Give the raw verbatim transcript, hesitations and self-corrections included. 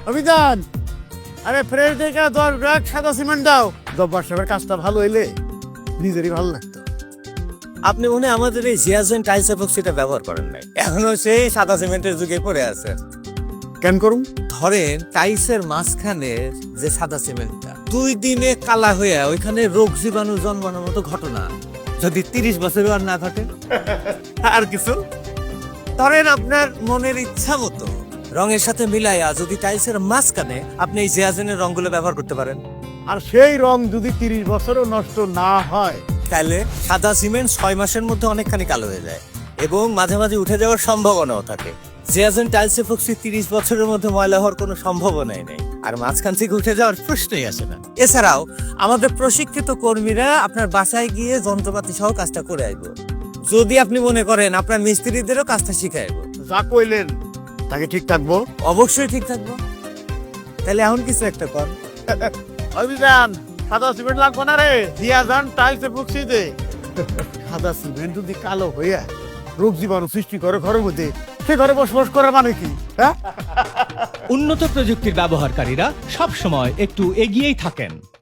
অভিযান, আরে ফ্রেশ দেখে দশ ব্যাগ সাদা সিমেন্ট দাও। জব্বার সাহেবের কাজটা ভালো হইলে নিজেরই ভালো লাগতো। আপনি মনে হয় আমাদের এই জিয়াজেন টাইলস এপক্সিটা ব্যবহার করেন নাই, এখনো সেই সাদা সিমেন্টের যুগে পড়ে আছে। কেন করুন? ধরেন টাইলসের মাঝখানে যে সাদা সিমেন্টটা দুই দিনে কালা হয়ে ওইখানে রোগ জীবাণু জন্মানোর মতো ঘটনা যদি তিরিশ বছর আর না ঘটে। আর কিছু ধরেন আপনার মনের ইচ্ছা মতো রঙের সাথে মিলাইয়া যদি টাইলসের মাঝখানে আপনি এই জিয়াজেনের রঙগুলো ব্যবহার করতে পারেন, আর সেই রং যদি তিরিশ বছরও নষ্ট না হয়, তাহলে সাদা সিমেন্ট ছয় মাসের মধ্যে অনেকখানি কালো হয়ে যায় এবং মাঝে মাঝে উঠে যাওয়ার সম্ভাবনাও থাকে। জিয়াজেন টাইলস এপক্সি তিরিশ বছরের মধ্যে ময়লা হওয়ার কোনো সম্ভাবনাই নেই, আর মাঝখান থেকে উঠে যাওয়ার প্রশ্নই আসে না। এছাড়াও আমাদের প্রশিক্ষিত কর্মীরা আপনার বাসায় গিয়ে যন্ত্রপাতি সহ কাজটা করে আসবো। যদি আপনি মনে করেন আপনার মিস্ত্রিদেরও কাজটা শিখাই আসবো, যা কইলেন তাকে ঠিক থাকবো। অবশ্যই ঠিক থাকবো। তাহলে এখন কিছু একটা কর। অভিযান, সাদা সিমেন্ট লাগবে না রে, দিয়া যান টাইলসে বক্সি দে। সাদা সিমেন্ট যদি কালো হইয়া রোগ জীবাণু সৃষ্টি করে ঘরের মধ্যে, সে ঘরে বসবাস করার মানে কি? হ্যাঁ, উন্নত প্রযুক্তির ব্যবহারকারীরা সব সময় একটু এগিয়েই থাকেন।